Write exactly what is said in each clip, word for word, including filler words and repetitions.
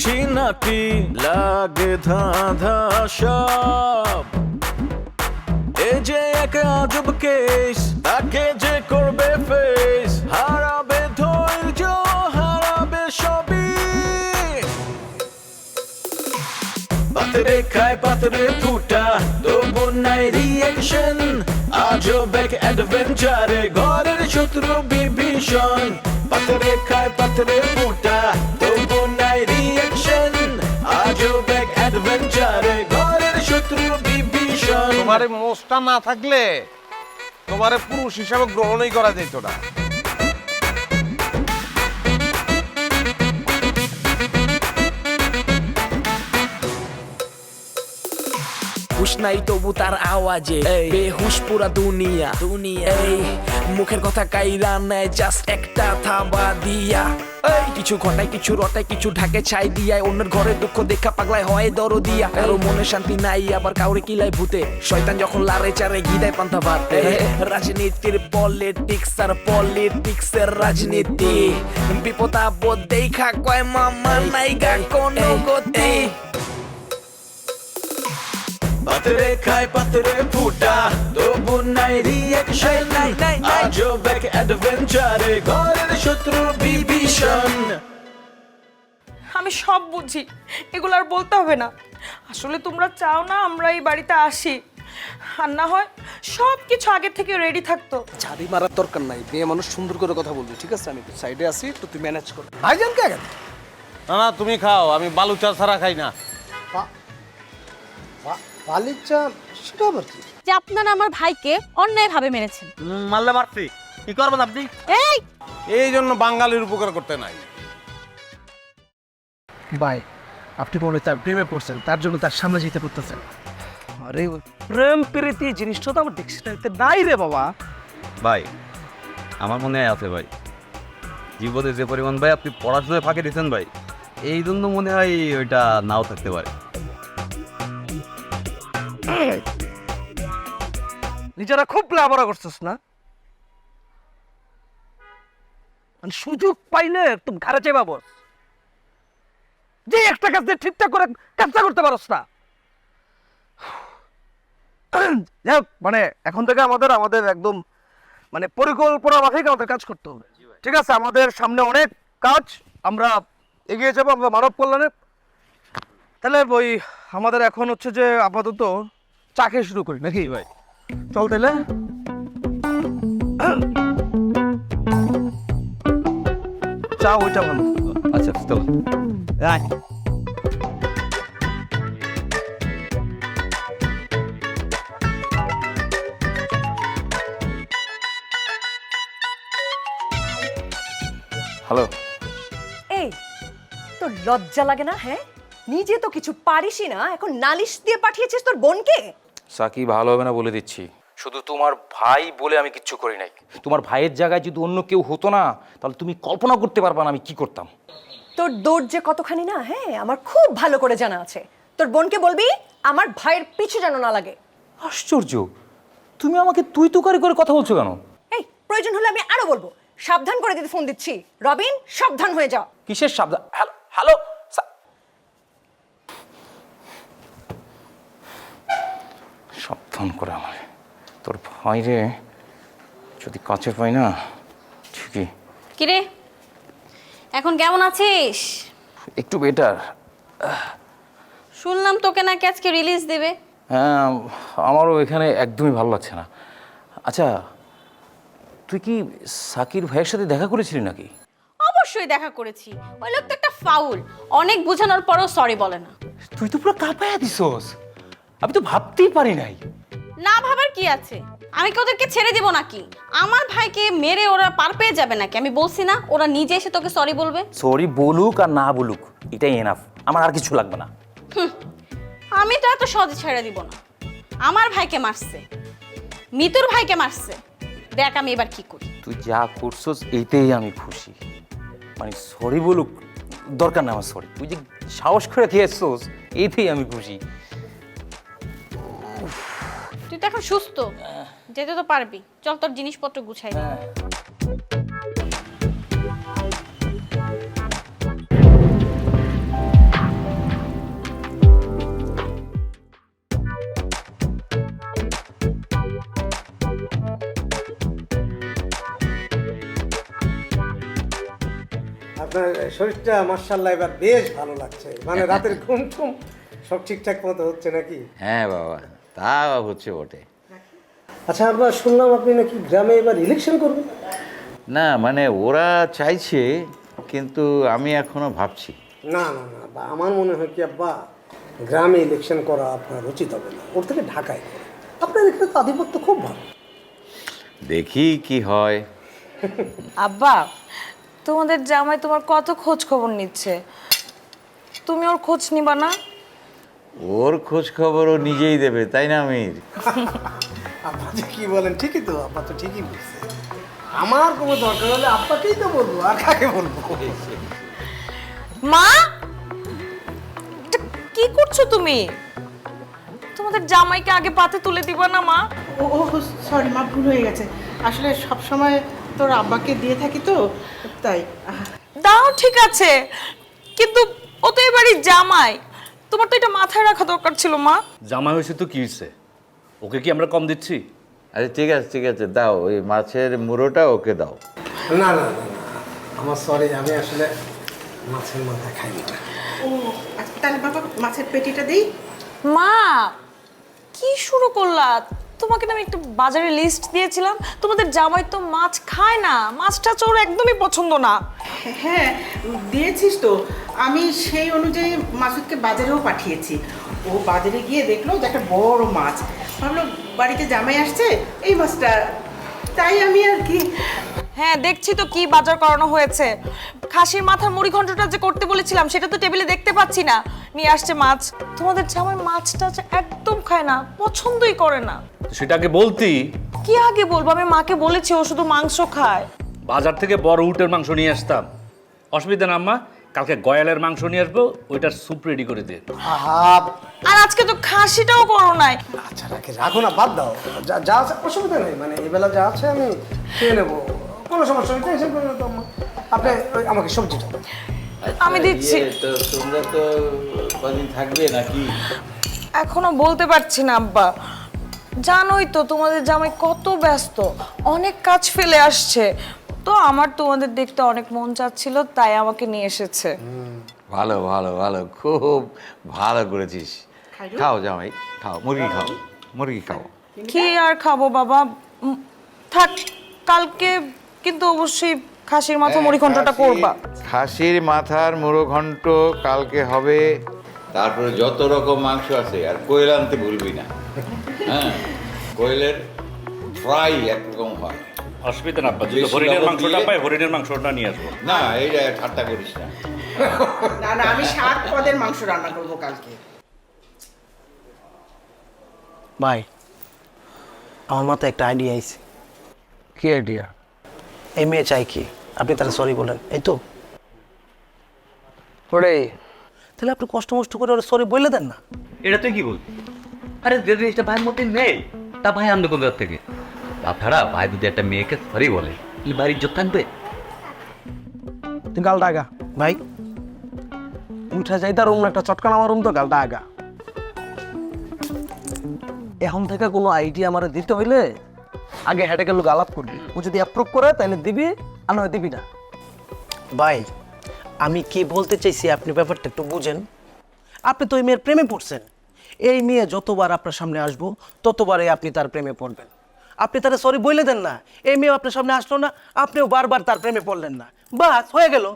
বুঝি নাকি লাগে ধাঁধা সব এ যে এক আজব কেস তাকে যে করবে ফেস হারাবে ধৈর্য হারাবে সবই পাতরে খায় পাতরে ফুটা তবু নাই রিয়েকশন আজব এক অ্যাডভেঞ্চারে ঘরের শত্রু বিভীষণ পাতরে খায় পাতরে ফুটা তবু নাই রিয়েকশন আজব এক অ্যাডভেঞ্চারে ঘরের শত্রু বিভীষণ তোমারে মোষটা না থাকলে তোমারে পুরুষ হিসাবে গ্রহণই করা যেত না। হুশ নাই তবু তার আওয়াজে বেহুশ পুরা দুনিয়া দুনিয়া এই মুখের কথা কাইরা নেয় জাস্ট একটা থাবা দিয়া এই কিছু ঘটায় কিছু রটায় কিছু ঢাকে ছাই দিয়ায় অন্যের ঘরে দুঃখ দেখা পাগলায় হয় দরো দিয়া কারো মনে শান্তি নাই আবার কাউরে কিলাই ভূতে শয়তান যখন লারে চারে গিদায় পান্তা ভাত রাজনীতির পলিটিক্স আর পলিটিক্স এর রাজনীতি বিপদ আপদ দেখা কয় মামা নাইগা কোনো গতি পাতরে খায় পাতরে ফুটা তবু নাই রিয়েকশন আজব এক অ্যাডভেঞ্চারে ঘরের শত্রু বিভীষণ আমি সব বুঝি, এগুলো আর বলতে হবে না। আসলে তোমরা চাও না আমরা এই বাড়িতে আসি, আর না হয় সব কিছু আগে থেকে রেডি থাকতো। ঝাড়ি মারার দরকার নাই, মেয়ে মানুষ সুন্দর করে কথা বলবি, ঠিক আছে? আমি সাইডে আছি, তো তুই ম্যানেজ কর। ভাইজান কে গেল? না না তুমি খাও, আমি বালু চা ছাড়া খাই না। বালির চা সেটা আবার কি? যে আপনারা আমার ভাইকে অন্যায়ভাবে মেরেছেন। মারলে মারছি, কি করবেন আপনি? এই এই জন্য বাঙালির উপকার করতে নাই। ভাই আপনি মনে তার প্রেমে পড়ছেন, তার জন্য তার সামনে যেতে করতেছেন। আরে প্রেম প্রীতি জিনিসটা তো আমার ডিকশনারিতে নাই রে বাবা। ভাই আমার মনে হয় আছে ভাই, জীবনে যে পরিমাণ ভাই আপনি পড়াশোনায় ফাঁকে দিয়েছেন ভাই, এই জন্য মনে হয় ওইটা নাও থাকতে পারে। নিজেরা খুব লাভরা করছিস না, মানে সুযোগ পাইলে একদম ঘাড়ে চেপা বস, যে একটা কাজ দিয়ে ঠিকঠাক করে কাজটা করতে পারস না। যাই হোক, মানে এখন থেকে আমাদের আমাদের একদম মানে পরিকল্পনা মাফিক আমাদের কাজ করতে হবে, ঠিক আছে? আমাদের সামনে অনেক কাজ, আমরা এগিয়ে যাবো আমরা মানব কল্যাণে। তাহলে ওই আমাদের এখন হচ্ছে যে আপাতত চা খেয়ে শুরু করি নাকি ভাই? চল তাহলে। চা ওইটা ভালো। আচ্ছা চলো। হ্যালো এই তোর লজ্জা লাগে না? হ্যাঁ, নিজে তো কিছু পারিসই না, এখন নালিশ দিয়ে পাঠিয়েছিস তোর বোনকে। সাকি ভালো হবে না বলে দিচ্ছি, শুধু তোমার ভাই বলে আমি কিচ্ছু করি নাই। তোমার ভাইয়ের জায়গায় যদি অন্য কেউ হতো না, তাহলে তুমি কল্পনা করতে পারবা না আমি কি করতাম। তোর দৌড় যে কতখানি না, হ্যাঁ আমার খুব ভালো করে জানা আছে। তোর বোনকে বলবি আমার ভাইয়ের পিছু যেন না লাগে। আশ্চর্য, তুমি আমাকে তুই তুকারি করে কথা বলছো কেন? এই প্রয়োজন হলে আমি আরো বলবো, সাবধান করে দিতে ফোন দিচ্ছি। রবিন, সাবধান হয়ে যাও। কিসের সাবধান? হ্যালো হ্যালো সাবধান করে আমার তোর ভাই রে যদি কাছে পাই না ঠিকই। কিরে এখন কেমন আছিস? একটু বেটার। শুনলাম তোকে নাকি আজকে রিলিজ দেবে। হ্যাঁ, আমারও এখানে একদমই ভালো লাগছে না। আচ্ছা, তুই কি সাকির ভাইয়ের সাথে দেখা করেছিলি নাকি? অবশ্যই দেখা করেছি, ওই লোক তো একটা ফাউল, অনেক বোঝানোর পরও সরি বলে না। তুই তো পুরো কাঁপায়া দিছস, আমি তো ভাবতেই পারি নাই। না ভাবার কি আছে, আমি কি ওদেরকে ছেড়ে দেব নাকি? আমার ভাইকে মেরে ওরা পার পেয়ে যাবে নাকি? আমি বলছি না ওরা নিজে এসে তোকে সরি বলবে? সরি বলুক আর না বলুক এটাই এনাফ, আমার আর কিছু লাগবে না। আমি তো এত সহজে ছেড়ে দিব না। আমার ভাইকে মারছে, মিতুর ভাইকে মারছে, দেখ আমি এবার কি করি। তুই যা করছস এইতেই আমি খুশি, মানে সরি বলুক দরকার না আমার সরি, তুই যে সাহস করে খেয়েছস এইতেই আমি খুশি। তুই তো এখন সুস্থ, যেতে তো পারবি। চল তোর জিনিসপত্র গুছাই দে। আপনার শরীরটা মার্শাল্লাহ এবার বেশ ভালো লাগছে, মানে রাতের ঘুম টুম সব ঠিকঠাক মতো হচ্ছে নাকি? হ্যাঁ বাবা, তা হচ্ছে বটে। আচ্ছা আব্বা, শুনলাম আপনি নাকি গ্রামে এবার ইলেকশন করবেন? না মানে ওরা চাইছে, কিন্তু আমি এখনো ভাবছি। না না না আব্বা, আমার মনে হয় কি আব্বা, গ্রামে ইলেকশন করা আপনার উচিত হবে না, ওর থেকে ঢাকায় করা। আপনার এখানে তো আধিপত্য খুব ভালো। দেখি কি হয়। আব্বা, তোমাদের জামাই তোমার কত খোঁজ খবর নিচ্ছে, তুমি ওর খোঁজ নিবা না? ওর খোঁজ খবর ও নিজেই দেবে, তাই না আমির? আব্বা যে কি বলেন, ঠিকই তো, আব্বা তো ঠিকই বলছে। আমার কোনো দরকার হলে আব্বাকেই তো বলবো, আর কাকে বলবো? মা, এটা কি করছো তুমি? তোমাদের জামাইকে আগে পাতে তুলে দিবা না মা? ও ও সরি মা, ভুল হয়ে গেছে। আসলে সব সময় তোর আব্বাকে দিয়ে থাকি তো, তাই। দাও ঠিক আছে, কিন্তু ও তো এবারই জামাই, তোমার তো এটা মাথায় রাখা দরকার ছিল মা। জামাই হয়েছে তো কি হয়েছে, ওকে কি আমরা কম দিচ্ছি? আচ্ছা ঠিক আছে ঠিক আছে, দাও ওই মাছের মুড়োটা ওকে দাও। না না না না, আমার সরি, আমি আসলে মাছের মাথা খাই না। ও আচ্ছা, তাহলে বাবা মাছের পেটিটা দিই। মা, কি শুরু করলা? তোমাকে না আমি একটা বাজারে লিস্ট দিয়েছিলাম, তোমাদের জামাই তো মাছ খায় না, মাছটা ওর একদমই পছন্দ না। হ্যাঁ দিয়েছিস তো, আমি সেই অনুযায়ী মাসুদকে বাজারেও পাঠিয়েছি। ও বাজারে গিয়ে দেখলো যে একটা বড় মাছ, ভাবলো বাড়িতে জামাই আসছে, এই মাছটা, তাই আমি আর কি। হ্যাঁ দেখছি তো কি বাজার করানো হয়েছে। খাসির মাথার মুড়ি ঘন্টটা যে করতে বলেছিলাম সেটা তো টেবিলে দেখতে পাচ্ছি না, নিয়ে আসছে মাছ। তোমাদের জামাই মাছটা যে একদম খায় না, পছন্দই করে না। সেটা আগে বলতি। কি আগে বলবো, আমি মাকে বলেছি ও শুধু মাংস খায়। বাজার থেকে বড় উটের মাংস নিয়ে আসতাম, অসুবিধা না আম্মা। কালকে গয়ালের মাংস নিয়ে আসবো, ওইটার স্যুপ রেডি করে দে। আহা, আর আজকে তো খাসিটাও করো নাই। আচ্ছা রাখে, রাখো না, বাদ দাও, যা যা আছে অসুবিধা নেই, মানে এবেলা যা আছে আমি খেয়ে নেবো, কোনো সমস্যা নেই, টেনশন করে না তো আম্মা। আপনি ওই আমাকে সবজিটা দাও। আমি দিচ্ছি। ইয়ে, তো তোমরা তো কদিন থাকবে নাকি? এখনো বলতে পারছি না আব্বা, জানোই তো তোমাদের জামাই কত ব্যস্ত, অনেক কাজ ফেলে আসছে, তো আমার তোমাদের দেখতে অনেক মন চাচ্ছিল, তাই আমাকে নিয়ে এসেছে। ভালো ভালো ভালো, খুব ভালো করেছিস। খাও জামাই, খাও, মুরগি খাও, মুরগি খাও। কি আর খাবো বাবা, উম, থাক, কালকে কিন্তু অবশ্যই খাসির মাথা মুড়ি ঘন্টটা করবা। খাসির মাথার মুড়ো ঘন্ট কালকে হবে, তারপরে যত রকম মাংস আছে, আর কোয়েল আনতে ভুলবি না। হ্যাঁ, কোয়েলের ফ্রাই একরকম হয়। অসুবিধা না আব্বা, যদি হরিণের মাংসটা পাই হরিণের মাংসটা নিয়ে আসবো। না এইটা ঠাট্টা করিস না। না না, আমি সাত পদের মাংস রান্না করবো কালকে। ভাই, আমার মাথায় একটা আইডিয়া আইছে। কি আইডিয়া? এই মেয়ে চাই কি, আপনি তাহলে সরি বলেন, এই তো ওরে, তাহলে আপনি কষ্ট মষ্ট করে ওরা সরি বলে দেন না। এটা তুই কি বল? আরে যে জিনিসটা ভাইয়ের মধ্যে নেই, তা ভাই আনবে কোন জায়গা থেকে? তাছাড়া ভাই যদি একটা মেয়েকে সরি বলে, এই বাড়ির ইজ্জত থাকবে? তুই গালটা আগা ভাই, উঠা যাই তার রুম একটা চটকান আমার রুম, তো গালটা আগা। এখন থেকে কোনো আইডিয়া আমার দিতে হইলে আগে হেঁটে গেল গালাত করবি, ও যদি অ্যাপ্রুভ করে তাহলে দিবি, আর নয় দিবি না। ভাই আমি কি বলতে চাইছি আপনি ব্যাপারটা একটু বুঝেন। আপনি তো এই মেয়ের প্রেমে পড়ছেন, এই মেয়ে যতবার আপনার সামনে আসবো ততবারই আপনি তার প্রেমে পড়বেন। আপনি তারা সরি বলে দেন না, এই মেয়ে আপনার সামনে আসলো না, আপনিও বারবার তার প্রেমে পড়লেন না, বাস হয়ে গেল।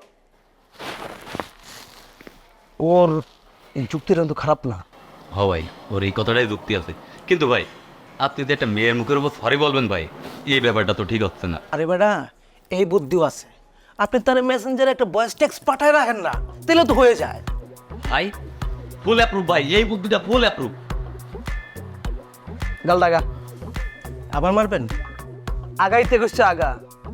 ওর এই যুক্তিটা কিন্তু খারাপ না। হ ভাই, ওর এই কথাটাই যুক্তি আছে, কিন্তু ভাই আপনি যদি একটা মেয়ের মুখের উপর সরি বলবেন ভাই, এই ব্যাপারটা তো ঠিক হচ্ছে না। আরে বেটা, এই বুদ্ধিও আছে, আপনি তার মেসেঞ্জারে একটা ভয়েস টেক্সট পাঠায় রাখেন না, তাহলে তো হয়ে যায়। ভাই ফুল অ্যাপ্রুভ ভাই, এই বুদ্ধিটা ফুল অ্যাপ্রুভ। গাল দাগা আবার মারবেন, আগাইতে গেছে আগা।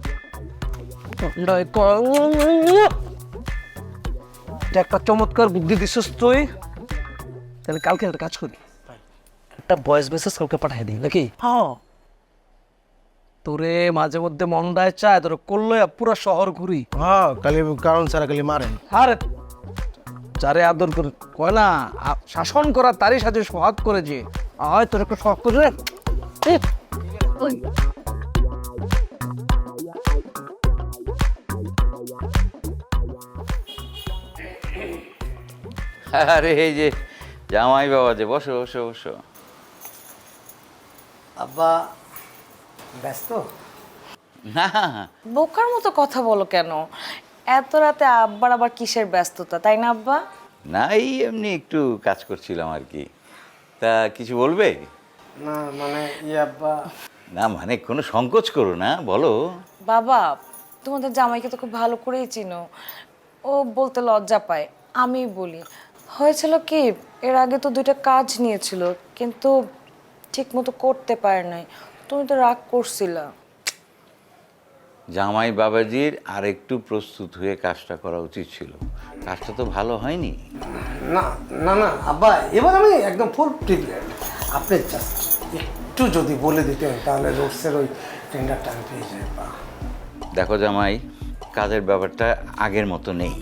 এটা একটা চমৎকার বুদ্ধি দিছিস তুই, তাহলে কালকে একটা কাজ করি, একটা ভয়েস মেসেজ কালকে পাঠিয়ে দিই নাকি? হ্যাঁ, তোরে মাঝে মধ্যে মন্ডায় চায় তোর করলো পুরো শহর ঘুরি। হ্যাঁ, খালি কারণ ছাড়া খালি মারেন। আরে যারে আদর করে কয় না, আ- শাসন করা তারই সাথে সোহাগ করে, যে আয় তোর একটা শখ করে। এ, ওই। আরে এই যে জামাই বাবা যে, বসো বসো বসো। আব্বা ব্যস্ত? না বোকার মতো কথা বলো কেন? এত রাতে আব্বার আবার কিসের ব্যস্ততা, তাই না আব্বা? না, এই এমনি একটু কাজ করছিলাম আর কি। তা কিছু বলবে? না মানে ইয়ে আব্বা, না মানে কোনো সংকোচ করো না, বলো। বাবা, তোমাদের জামাইকে তো খুব ভালো করেই চিনো, ও বলতে লজ্জা পায়, আমি বলি। হয়েছিল কি, এর আগে তো দুইটা কাজ নিয়েছিল, কিন্তু ঠিক মতো করতে পারে নাই, তুমি তো রাগ করছিলা। জামাই বাবাজির আর একটু প্রস্তুত হয়ে কাজটা করা উচিত ছিল, কাজটা তো ভালো হয়নি। না না না আব্বা, এবার আমি একদম ফুল প্রিপেয়ার্ড। আপনি জাস্ট একটু যদি বলে দিতেন তাহলে রোডসের ওই টেন্ডারটা আমি পেয়ে যাই আব্বা। দেখো জামাই, কাজের ব্যাপারটা আগের মতো নেই।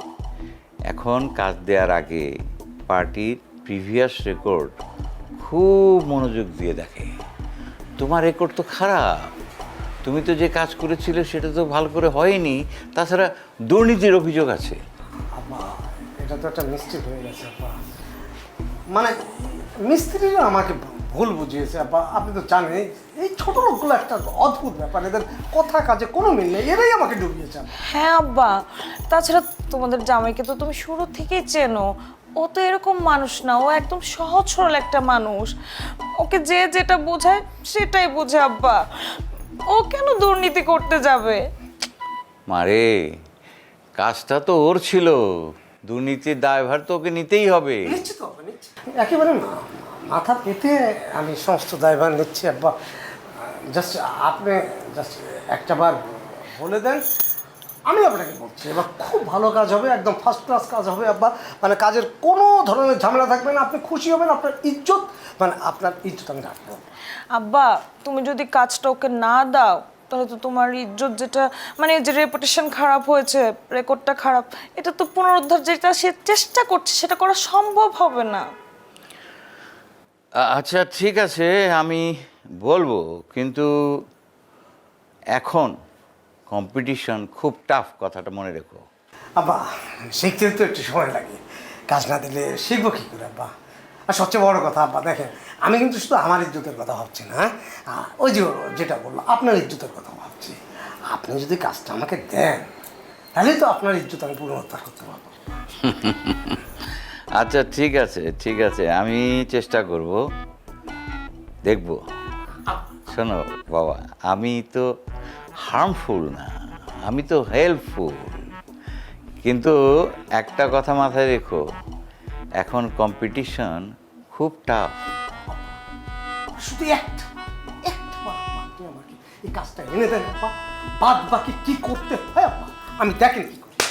এখন কাজ দেওয়ার আগে পার্টির প্রিভিয়াস রেকর্ড খুব মনোযোগ দিয়ে দেখে। তোমার রেকর্ড তো খারাপ, তুমি তো যে কাজ করেছিলে সেটা তো ভালো করে হয়নি, তাছাড়া দুর্নীতির অভিযোগ আছে। আব্বা এটা তো একটা মিস্টেক হয়ে গেছে আব্বা, মানে মিস্ত্রিরা আমাকে ভুল বুঝিয়েছে আব্বা। আপনি তো জানেন এই ছোট লোকগুলো একটা অদ্ভুত ব্যাপার, এদের কথা কাজে কোনো মিল নেই, এরাই আমাকে ডুবিয়েছে। হ্যাঁ আব্বা, তাছাড়া তোমাদের জামাইকে তো তুমি শুরু থেকেই চেনো, ও তো এরকম মানুষ না, ও একদম সহজ সরল একটা মানুষ, ওকে যে যেটা বোঝায় সেটাই বোঝে আব্বা, ও কেন দুর্নীতি করতে যাবে? মারে, কাজটা তো ওর ছিল, দুর্নীতির দায়ভার তো ওকে নিতেই হবে। নিশ্চিত হবে, নিশ্চিত একেবারে না মাথা পেতে আমি সমস্ত দায়ভার নিচ্ছি আব্বা। জাস্ট আপনি জাস্ট একটা বার বলে দেন, আমি আপনাকে বলছি এবার খুব ভালো কাজ হবে, একদম ফার্স্ট ক্লাস কাজ হবে আব্বা। মানে কাজের কোনো ধরনের ঝামেলা থাকবে না, আপনি খুশি হবেন, আপনার ইজ্জত মানে আপনার ইজ্জত আমি রাখবো। আব্বা, তুমি যদি কাজটা ওকে না দাও তাহলে তো তোমার ইজ্জত, যেটা মানে যে রেপুটেশন খারাপ হয়েছে, রেকর্ডটা খারাপ, এটা তো পুনরুদ্ধার যেটা সে চেষ্টা করছে সেটা করা সম্ভব হবে না। আ- আচ্ছা ঠিক আছে, আমি বলবো, কিন্তু এখন কম্পিটিশন খুব টাফ, কথাটা মনে রেখো। আব্বা শিখতে তো একটু সময় লাগে, কাজ না দিলে শিখবো কী করে আব্বা? আর সবচেয়ে বড় কথা আব্বা দেখেন, আমি কিন্তু শুধু আমার ইজ্জতের কথা ভাবছি না, হ্যাঁ ওই যে যেটা বললো আপনার ইজ্জতের কথা ভাবছি। আপনি যদি কাজটা আমাকে দেন তাহলে তো আপনার ইজ্জত আমি পুনরুদ্ধার করতে পারবো। আচ্ছা ঠিক আছে ঠিক আছে, আমি চেষ্টা করব, দেখব। শোনো বাবা, আমি তো হার্মফুল না, আমি তো হেল্পফুল, কিন্তু একটা কথা মাথায় রেখো, এখন কম্পিটিশন খুব টাফ। শুধু একটা একটা বার আব্বা আপনি আমাকে এই কাজটা এনে দেন আব্বা, বাদ বাকি কি করতে হয় আব্বা আমি দেখেন কি করি।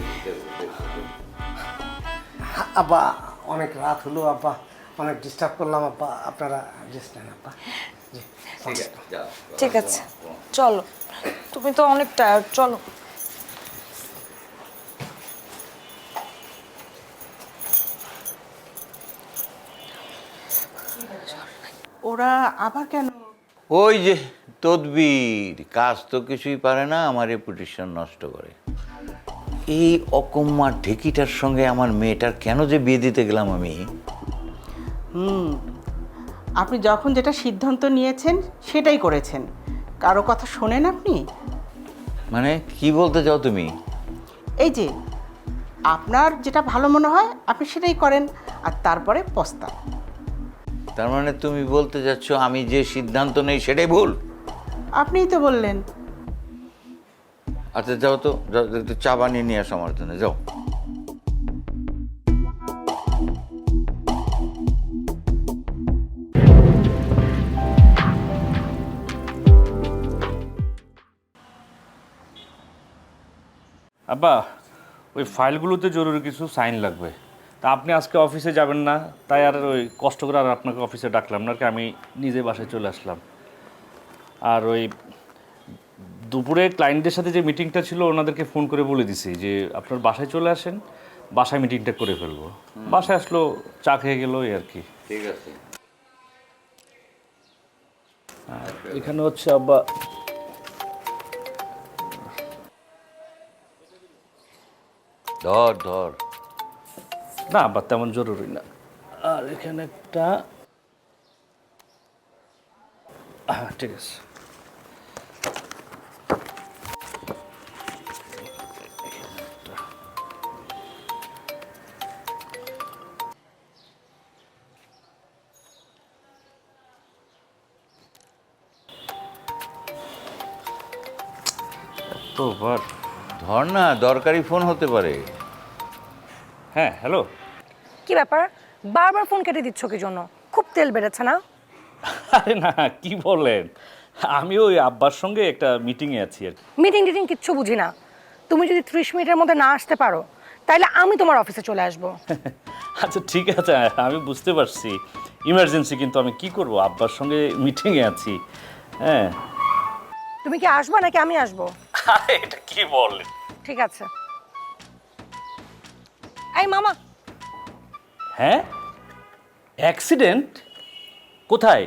আব্বা অনেক রাত হলো আব্বা, অনেক ডিস্টার্ব করলাম আব্বা, আপনারা রেস্ট নেন আব্বা। জি ঠিক আছে, যাও। ঠিক আছে, চলো, তুমি তো অনেক টায়ার্ড, চলো। ওরা আবার কেন? ওই যে তদবির, কাজ তো কিছুই পারে না, আমার রেপুটেশন নষ্ট করে। এই অকম্মার ঢেকিটার সঙ্গে আমার মেয়েটার কেন যে বিয়ে দিতে গেলাম আমি। হুম, আপনি যখন যেটা সিদ্ধান্ত নিয়েছেন সেটাই করেছেন, কারো কথা শোনেন আপনি? মানে কি বলতে চাও তুমি? এই যে আপনার যেটা ভালো মনে হয় আপনি সেটাই করেন, আর তারপরে পস্তান। তার মানে তুমি বলতে যাচ্ছ আমি যে সিদ্ধান্ত নেই সেটাই ভুল? আপনিই তো বললেন। আচ্ছা যাও তো, যাও, একটু চা বানিয়ে নিয়ে আসো আমার জন্য, যাও। আব্বা, ওই ফাইলগুলোতে জরুরি কিছু সাইন লাগবে, তা আপনি আজকে অফিসে যাবেন না, তাই আর ওই কষ্ট করে আর আপনাকে অফিসে ডাকলাম না, আর কি আমি নিজে বাসায় চলে আসলাম। আর ওই দুপুরে ক্লায়েন্টদের সাথে যে মিটিংটা ছিল ওনাদেরকে ফোন করে বলে দিছি যে আপনার বাসায় চলে আসেন, বাসায় মিটিংটা করে ফেলবো। বাসায় আসলো, চা খেয়ে গেল, এই আর কি। ঠিক আছে। আর এখানে হচ্ছে আব্বা ধর ধর না আব্বা তেমন জরুরি না। আর এখানে একটা, হ্যাঁ ঠিক আছে। এতবার ধর না, দরকারি ফোন হতে পারে। হ্যাঁ হ্যালো। কি ব্যাপার, বারবার ফোন কেটে দিচ্ছ কি জন্য? খুব তেল বেড়েছে না? আরে না, কি বলেন, আমি ওই আব্বার সঙ্গে একটা মিটিংয়ে আছি আর কি। মিটিং টিটিং কিচ্ছু বুঝি না। তুমি যদি ত্রিশ মিনিটের মধ্যে না আসতে পারো তাহলে আমি তোমার অফিসে চলে আসবো। আচ্ছা ঠিক আছে, আমি বুঝতে পারছি ইমার্জেন্সি, কিন্তু আমি কি করব, আব্বার সঙ্গে মিটিংয়ে আছি। হ্যাঁ তুমি কি আসবা নাকি আমি আসবো? আরে এটা কি বলেন? ঠিক আছে। এই মামা, হ্যাঁ অ্যাক্সিডেন্ট? কোথায়?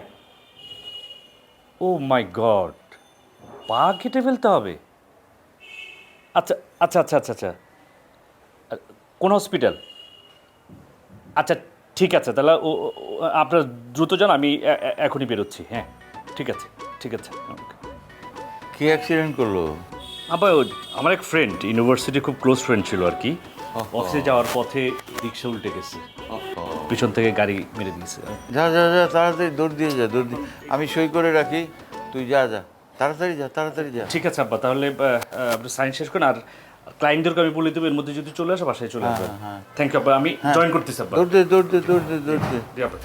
ও মাই গড, পা কেটে ফেলতে হবে? আচ্ছা আচ্ছা আচ্ছা আচ্ছা আচ্ছা, কোন হসপিটাল? আচ্ছা ঠিক আছে, তাহলে ও ও- আপনার দ্রুত যান, আমি এ- এ- এখনই বেরোচ্ছি। হ্যাঁ ঠিক আছে ঠিক আছে। কি অ্যাক্সিডেন্ট করলো? আবার আমার এক ফ্রেন্ড, ইউনিভার্সিটি খুব ক্লোজ ফ্রেন্ড ছিল আর কি, অফিসে যাওয়ার পথে রিক্সা উল্টে গেছে, পিছন থেকে গাড়ি মেরে দিয়েছে। যা যা যা, তাড়াতাড়ি দৌড় দিয়ে যা, দৌড় দিয়ে। আমি সই করে রাখি, তুই যা যা, তাড়াতাড়ি যা, তাড়াতাড়ি যা। ঠিক আছে আব্বা, তাহলে আহ, আহ, আপনি সাইন শেষ করেন, আর ক্লায়েন্টদেরকে আমি বলে দেবো এর মধ্যে যদি চলে আসে বাসায় চলে আসবে। থ্যাংক ইউ আব্বা, আমি জয়েন করতেছি আব্বা। দৌড় দে, দৌড় দে, দৌড় দে, দৌড় দে। জি, আব্বা।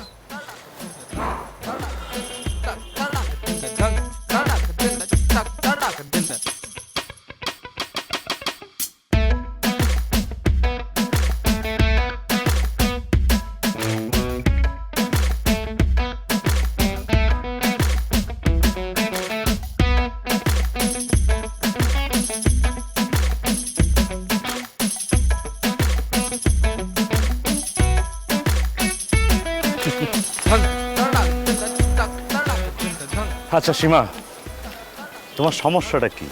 আচ্ছা সীমা, তোমার সমস্যাটা কি?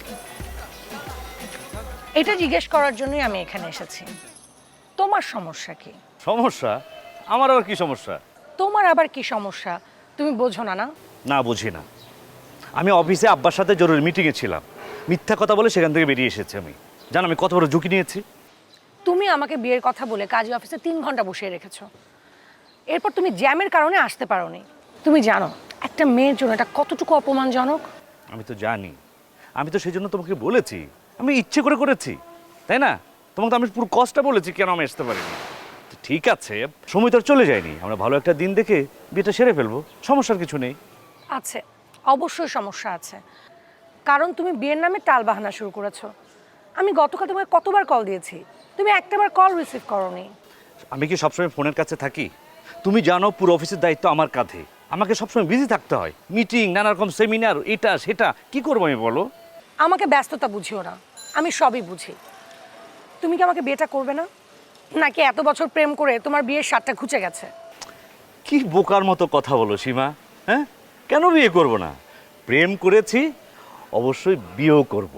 এটা জিজ্ঞেস করার জন্যই আমি এখানে এসেছি। তোমার সমস্যা কি? সমস্যা? আমার আবার কি সমস্যা? তোমার আবার কি সমস্যা তুমি বোঝো না? না না বুঝি না। আমি অফিসে আব্বার সাথে জরুরি মিটিংয়ে ছিলাম, মিথ্যা কথা বলে সেখান থেকে বেরিয়ে এসেছি। আমি জানো আমি কত বড় ঝুঁকি নিয়েছি। তুমি আমাকে বিয়ের কথা বলে কাজী অফিসে তিন ঘন্টা বসিয়ে রেখেছো, এরপর তুমি জ্যামের কারণে আসতে পারোনি। তুমি জানো একটা মেয়ের জন্য এটা কতটুকু অপমানজনক? আমি তো জানি, আমি তো সেই জন্য তোমাকে বলেছি, আমি ইচ্ছে করে করেছি, তাই না? তোমাকে তো আমি পুরো কষ্টটা বলেছি কেন আমি আসতে পারিনি। তো ঠিক আছে, সময় তো আর চলে যায়নি, আমরা ভালো একটা দিন দেখে বিয়েটা সেরে ফেলবো, সমস্যার কিছু নেই। আছে, অবশ্যই সমস্যা আছে, কারণ তুমি বিয়ের নামে টালবাহানা শুরু করেছো। আমি গতকাল তোমাকে কতবার কল দিয়েছি, তুমি একটাবার কল রিসিভ করোনি। আমি কি সবসময় ফোনের কাছে থাকি? তুমি জানো পুরো অফিসের দায়িত্ব আমার কাঁধে, আমাকে সবসময় বিজি থাকতে হয়, মিটিং, নানা রকম সেমিনার, এটা সেটা, কি করবো আমি বলো? আমাকে ব্যস্ততা বুঝিও না, আমি সবই বুঝি। তুমি কি আমাকে বিয়েটা করবে না, নাকি এত বছর প্রেম করে তোমার বিয়ের স্বাদটা ঘুচে গেছে? কি বোকার মতো কথা বলো সীমা, হ্যাঁ? কেন বিয়ে করব না? প্রেম করেছি, অবশ্যই বিয়েও করব।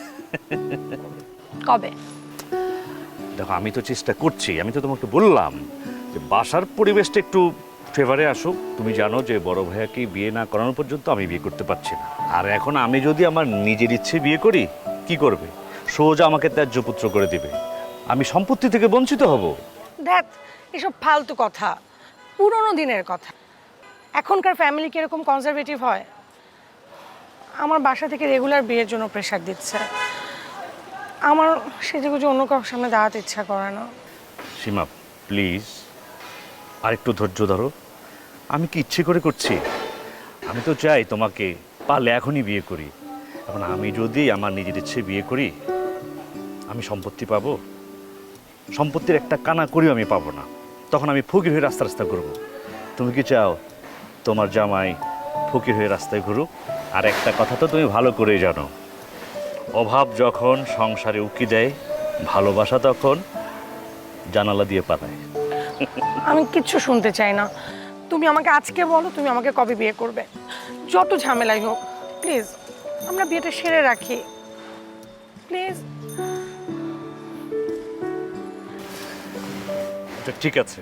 কবে? দেখো আমি তো চেষ্টা করছি, আমি তো তোমাকে বললাম যে বাসার পরিবেশটা একটু ফেভারে আসুক। তুমি জানো যে বড় ভাইয়াকে বিয়ে না করানো পর্যন্ত আমি বিয়ে করতে পারছি না। আর এখন আমি যদি আমার নিজের ইচ্ছে বিয়ে করি, কি করবে? সোজা আমাকে ত্যায্য পুত্র করে দিবে, আমি সম্পত্তি থেকে বঞ্চিত হব। দেখ, এসব ফালতু কথা, পুরনো দিনের কথা। এখনকার ফ্যামিলি কিরকম কনজারভেটিভ হয়। আমার বাসা থেকে রেগুলার বিয়ের জন্য প্রেশার দিচ্ছে, আমার সেজে গুজে অন্য কারোর সামনে দাঁড়াতে ইচ্ছা করে না। সীমা প্লিজ আর একটু ধৈর্য ধরো, আমি কি ইচ্ছে করে করছি? আমি তো চাই তোমাকে পারলে এখনই বিয়ে করি। এখন আমি যদি আমার নিজের ইচ্ছে বিয়ে করি, আমি সম্পত্তি পাবো? সম্পত্তির একটা কানা করিও আমি পাবো না, তখন আমি ফকির হয়ে রাস্তা রাস্তা ঘুরবো। তুমি কি চাও তোমার জামাই ফকির হয়ে রাস্তায় ঘুরুক? আর একটা কথা তো তুমি ভালো করেই জানো, অভাব যখন সংসারে উকি দেয়, ভালোবাসা তখন জানালা দিয়ে পালায়। আমি কিচ্ছু শুনতে চাই না। তুমি আমাকে আজকে বলো তুমি আমাকে কবে বিয়ে করবে, যত ঝামেলাই হোক। প্লিজ আমরা বিয়েটা সেরে রাখি, প্লিজ। আচ্ছা ঠিক আছে,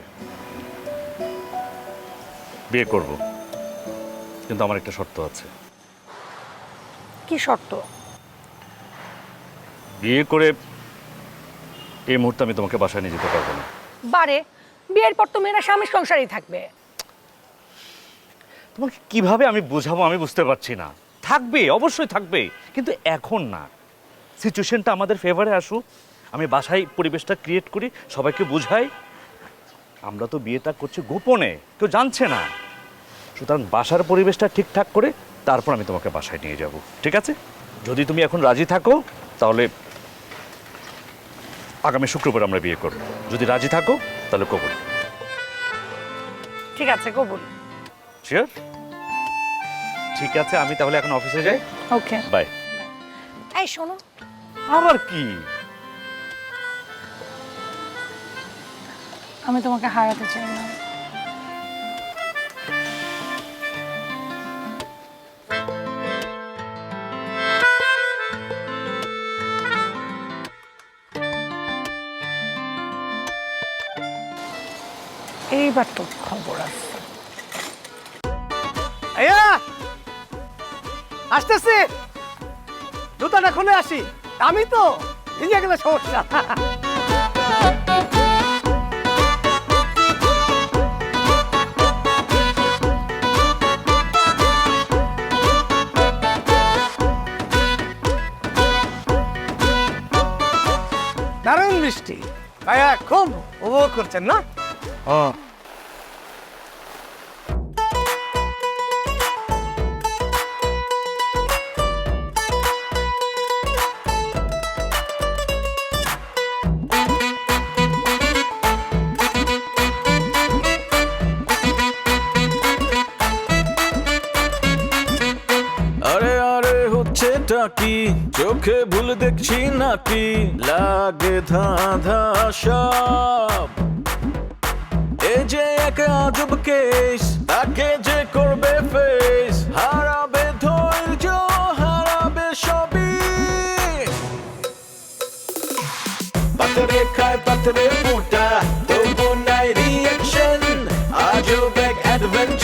বিয়ে করব, কিন্তু আমার একটা শর্ত আছে। কি শর্ত? বিয়ে করে এই মুহূর্তে আমি তোমাকে বাসায় নিয়ে যেতে পারবো না। বারে বিয়ের পর তো মেয়েরা স্বামী সংসারই থাকবে। তোমাকে কিভাবে আমি বোঝাবো আমি বুঝতে পারছি না। থাকবে, অবশ্যই থাকবে, কিন্তু এখন না। সিচুয়েশনটা আমাদের ফেভারে আসুক, আমি বাসায় পরিবেশটা ক্রিয়েট করি, সবাইকে বুঝাই আমরা তো বিয়েটা করছি গোপনে, কেউ জানছে না। সুতরাং বাসার পরিবেশটা ঠিকঠাক করে তারপর আমি তোমাকে বাসায় নিয়ে যাব, ঠিক আছে? যদি তুমি এখন রাজি থাকো তাহলে আগামী শুক্রবার আমরা বিয়ে করব। যদি রাজি থাকো তাহলে কবুল। ঠিক আছে, কবুল। শিওর? ঠিক আছে, আমি তাহলে এখন অফিসে যাই। Okay, bye. এই শোনো, আবার কি? আমি তোমাকে হারাতে চাই না। এইবার তো খবর আছে। আয়া আসতেছি, জুতাটা খুলে আসি। আমি তো ভিজে গেলে সমস্যা। দারুণ বৃষ্টি, ভাইয়া খুব উপভোগ করছেন না? হ্যাঁ। আরে আরে হচ্ছেটা কি, চোখে ভুল দেখছি নাকি, লাগে ধাঁধা সব। এ যে এক আজব কেস, তাকে যে করবে ফেস, হারাবে ধৈর্য, হারাবে সবই। পাথরে খায় পাথরে ফুটা, তবু নাই রিয়াকশন, আজব এক অ্যাডভেঞ্চার।